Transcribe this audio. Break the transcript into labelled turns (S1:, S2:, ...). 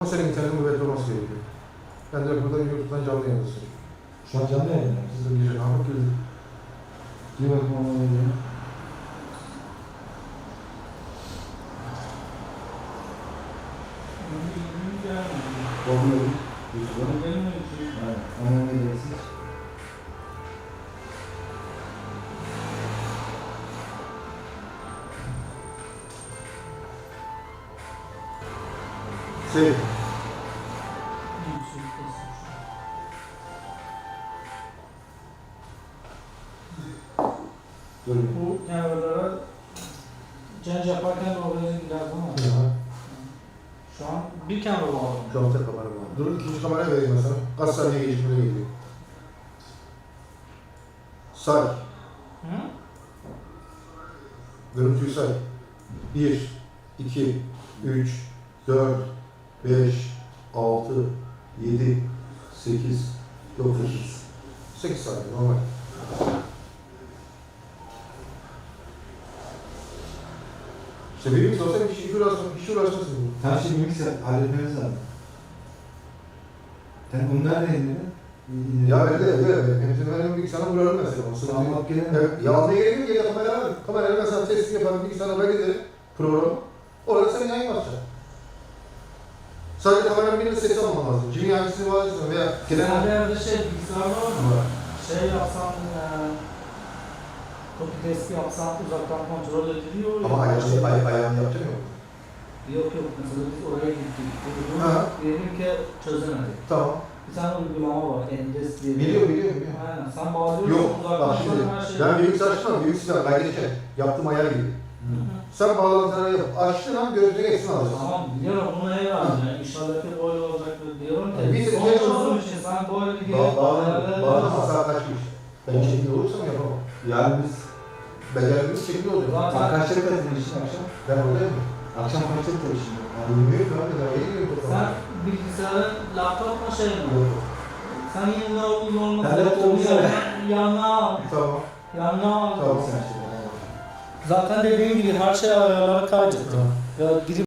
S1: Senin internetin kuvvetli olması gerekiyor. Ben de burada YouTube'dan canlı yayındasın.
S2: Şu an canlı yayında.
S1: Siz de gece kalkıp gelin.
S2: Bir bakım ona geliyor. Bakıyorum. YouTube'a. Aynen. Ona ne diyorsunuz?
S1: Şey,
S2: Durun.
S3: Bu kenarlara cenc yaparken oraya giderdim ama şu an bir kenar bağlı.
S1: şu an tek kamera var. Durun ikinci kameraya vereyim mesela. Kaç saniye gecikmeye geliyor. Say.
S3: Hı?
S1: Görüntüyü say. 1, 2, 3, 4, 5, 6, 7, 8, 9, 8 saniye normal. İşte benim sosyal iş uğraşmasın.
S2: Tam şimdi bilgisayar halletmemiz lazım. Sen bunu nerede indirdin?
S1: Ya ben de hepsini ben bilgisayarına vurarım mesela. O sıkıntı yok.
S2: Tamam, gelelim.
S1: Evet, yazmaya gerek yok ya kameraya var. Kameraya ben sana testini yaparım, bilgisayarına ben giderim programı. Orada sen yayın yapacaksın. Sadece kameranın birinin sesi alman lazım. Kimin hangisini bağlıyorsun veya
S3: Genelde evde bilgisayar var mı? Yapsam, copy testi yapsam uzaktan kontrol ediliyor.
S1: ama ayağını yapacak mı?
S3: Yok mesela biz oraya gittik.
S1: Ha.
S3: Diyelim ki çözemedik.
S1: Tamı
S3: Bir tane uygulama var, Endes diye.
S1: Biliyorum.
S3: Aynen, sen bağlıyorsun
S1: Yok,
S3: uzaktan
S1: bak şimdi,
S3: her şeyi.
S1: ben bilgisayar açtım, bilgisayar kaydedeceğim. Yaptığım ayar gibi. Sen bağlantıları yap, açtığın an gözlüğü eksin alacaksın.
S3: Tamam, biliyorum bunu herhalde. İnşallah ki böyle olacak diyorum ki.
S1: Bir de
S3: Son
S1: ne
S3: çözüm için sen böyle bir
S1: Bağlanma saat kaçmış. Ben çekimde olursam yapamam.
S2: Yarın biz
S1: Becerdiğimiz çekimde oluyor.
S3: Zaten-
S2: kaçta katılmışsın akşam?
S1: Ben oradayım mı?
S2: Akşam kaçta katılmışsın?
S1: Bilmiyorum abi, daha yeni geliyorum.
S3: sen bilgisayarın laptop mu şey mi?
S1: Yok.
S3: Sen yine normal
S2: Ben laptopumu
S3: yanına al.
S1: Tamam.
S3: Yanına al.
S1: Tamam.
S2: Sen şimdi.
S3: Zaten dediğim gibi her şey ayarlara kaydettim. Ya girip